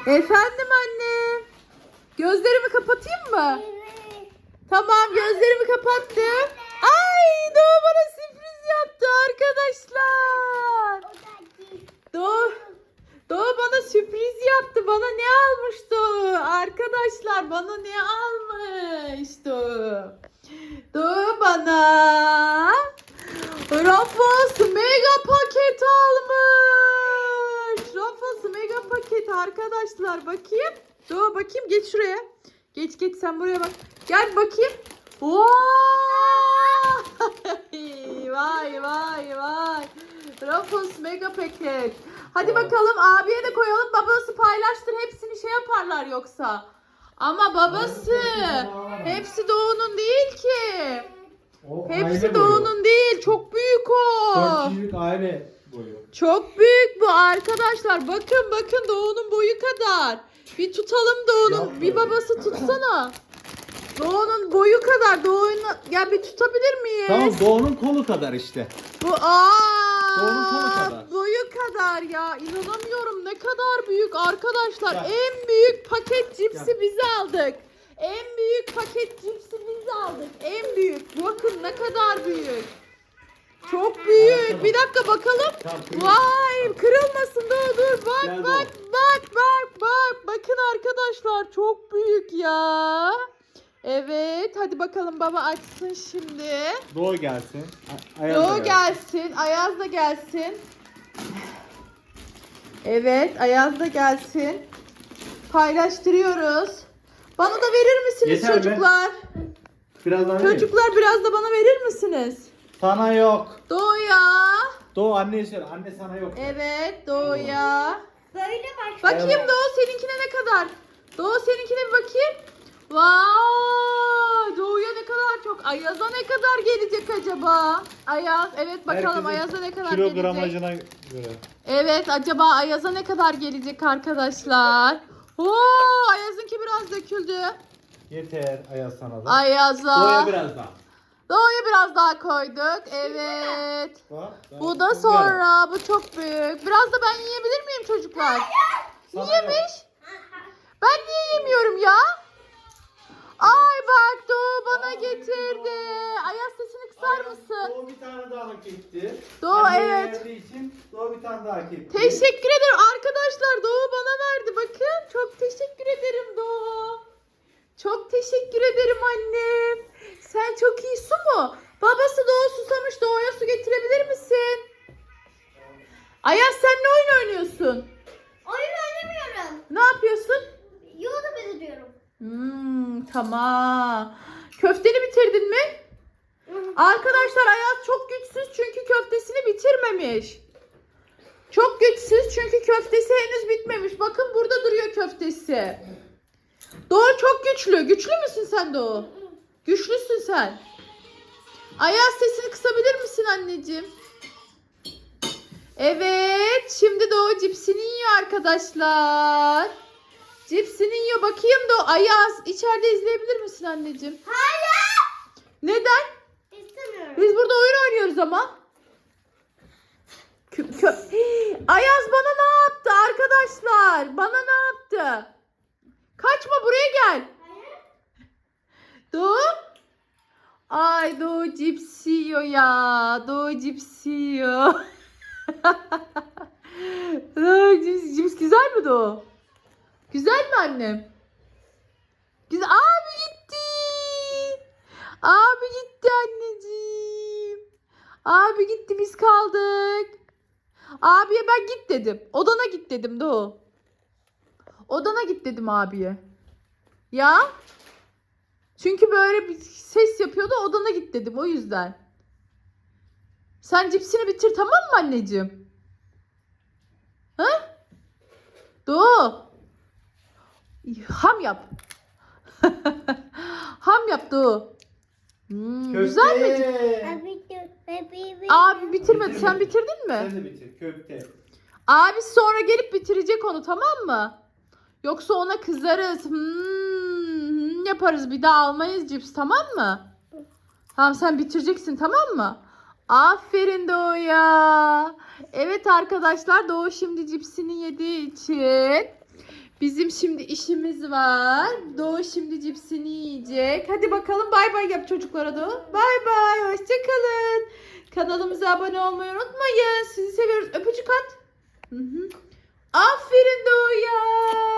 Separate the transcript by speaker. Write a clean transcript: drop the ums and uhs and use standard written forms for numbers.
Speaker 1: Efendim anne. Gözlerimi kapatayım mı?
Speaker 2: Evet.
Speaker 1: Tamam, gözlerimi kapattım. Ay, Doğu bana sürpriz yaptı arkadaşlar. Doğu, Doğu bana sürpriz yaptı. Bana ne almış Doğu? Arkadaşlar bana ne almış Doğu? Doğu bana Ruffles mega paket almış. Ruffles mega paket arkadaşlar. Bakayım. Doğu bakayım, geç şuraya. Geç sen buraya bak. Gel bakayım. Vay! Vay. Ruffles mega paket. Hadi bakalım, abiye de koyalım. Babası paylaştır, hepsini şey yaparlar yoksa. Ama babası hepsi Doğu'nun değil ki.
Speaker 3: O
Speaker 1: Hepsi
Speaker 3: aile boyu.
Speaker 1: Doğu'nun değil. Çok büyük o.
Speaker 3: 4 kişilik aile boyu.
Speaker 1: Çok büyük bu arkadaşlar. Bakın Doğu'nun boyu kadar. Bir tutalım Doğu'nun.
Speaker 3: Yapma.
Speaker 1: Bir babası tutsana. Doğu'nun boyu kadar. Doğu'nun, ya bir tutabilir miyiz?
Speaker 3: Tamam, Doğu'nun kolu kadar işte.
Speaker 1: Bu
Speaker 3: Doğu'nun kolu kadar.
Speaker 1: boyu kadar ya. İnanamıyorum, ne kadar büyük arkadaşlar.
Speaker 3: Gel.
Speaker 1: En büyük paket cipsi
Speaker 3: Gel.
Speaker 1: biz aldık. En büyük paket cipsi biz aldık. En büyük. Bakın ne kadar büyük. Çok büyük.
Speaker 3: Tamam.
Speaker 1: Bir dakika bakalım.
Speaker 3: Tamam, kırılmasın.
Speaker 1: Vay, kırılmasın. Dur. Bak
Speaker 3: Gel
Speaker 1: bak
Speaker 3: Doğu.
Speaker 1: bak. Bakın arkadaşlar, çok büyük ya. Evet, hadi bakalım, baba açsın şimdi.
Speaker 3: Doğu gelsin. Ayaz da
Speaker 1: Doğu gelsin, Ayaz da gelsin. Evet, Ayaz da gelsin. Paylaştırıyoruz. Bana da verir misiniz
Speaker 3: Yeter be.
Speaker 1: çocuklar?
Speaker 3: Biraz daha vereyim.
Speaker 1: Çocuklar biraz da bana verir misiniz?
Speaker 3: Sana yok.
Speaker 1: Doğuya.
Speaker 3: Doğu anneye söyle. Anne sana yok.
Speaker 1: Evet, Doğuya.
Speaker 2: Böyle bak.
Speaker 1: Bakayım
Speaker 3: Evet.
Speaker 1: Doğu seninkine ne kadar? Doğu seninkine bir bakayım. Vay! Doğuya ne kadar çok. Ayaz'a ne kadar gelecek acaba? Ayaz, evet bakalım
Speaker 3: Herkesin
Speaker 1: Ayaz'a ne kadar gelecek.
Speaker 3: kilogramajına göre.
Speaker 1: Evet, acaba Ayaz'a ne kadar gelecek arkadaşlar? Oo, Ayaz'ınki biraz döküldü.
Speaker 3: Yeter Ayaz sana da.
Speaker 1: Ayaz'a.
Speaker 3: Doğu'ya biraz daha.
Speaker 1: Doğu'ya biraz daha koyduk. Evet.
Speaker 3: Bak,
Speaker 1: Bu da sonra. Bu çok büyük. Biraz da ben yiyebilir miyim çocuklar?
Speaker 3: Sana
Speaker 1: Yemiş. Ben niye yemiyorum ya? Ay bak, Doğu bana getirdi. Ayaz, sesini kısar mısın?
Speaker 3: Doğu bir tane daha hak etti.
Speaker 1: Doğu,
Speaker 3: Anneye
Speaker 1: evet.
Speaker 3: verdiği için Doğu bir tane daha hak etti.
Speaker 1: Teşekkür ederim arkadaşlar. Doğu bana verdi. Bakın, çok teşekkür ederim Doğu. Çok teşekkür ederim annem. Sen çok iyi, su mu? Babası Doğu susamış. Doğu'ya su getirebilir misin? Ayaz, sen ne oyun oynuyorsun?
Speaker 2: Oyun oynamıyorum.
Speaker 1: Ne yapıyorsun?
Speaker 2: YouTube izliyorum.
Speaker 1: Tamam. Köfteni bitirdin mi? Arkadaşlar Ayaz çok güçsüz çünkü köftesini bitirmemiş. Çok güçsüz çünkü köftesi henüz bitmemiş. Bakın, burada duruyor köftesi. Doğu çok güçlü. Güçlü müsün sen Doğu? Güçlüsün sen. Ayaz, sesini kısabilir misin anneciğim? Evet. Şimdi Doğu cipsini yiyor arkadaşlar. Cipsini yiyor. Bakayım Doğu. Ayaz, içeride izleyebilir misin anneciğim?
Speaker 2: Hayır.
Speaker 1: Neden?
Speaker 2: İstemiyorum.
Speaker 1: Biz burada oyun oynuyoruz ama. Ayaz bana ne yaptı arkadaşlar? Bana ne yaptı? Kaçma, buraya gel.
Speaker 2: Hayır.
Speaker 1: Doğu. Ay, Doğu cips yiyor ya. Doğu cips yiyor. Doğu cips güzel mi Doğu? Güzel mi annem? Güzel. Abi gitti. Abi gitti anneciğim. Abi gitti, biz kaldık. Abiye ben git dedim. Odana git dedim Doğu. Odana git dedim abiye. Ya. Çünkü böyle bir ses yapıyordu, odana git dedim, o yüzden. Sen cipsini bitir, tamam mı anneciğim? Ha? Doğu. Ham yap. Ham yap Doğu. Güzel mi? Abi bitirmedi. Sen bitirdin mi?
Speaker 3: Sen de bitir. Köfte.
Speaker 1: Abi sonra gelip bitirecek onu, tamam mı? Yoksa ona kızarız. Yaparız, bir daha almayız cips, tamam mı? Tamam, sen bitireceksin, tamam mı? Aferin Doğu'ya. Evet arkadaşlar, Doğu şimdi cipsini yediği için Bizim şimdi işimiz var. Doğu şimdi cipsini yiyecek. Hadi bakalım bay bay yap çocuklara Doğu. Bay bay. Hoşçakalın. Kanalımıza abone olmayı unutmayın. Sizi seviyoruz. Öpücük at. Hı hı. Aferin Doğu'ya.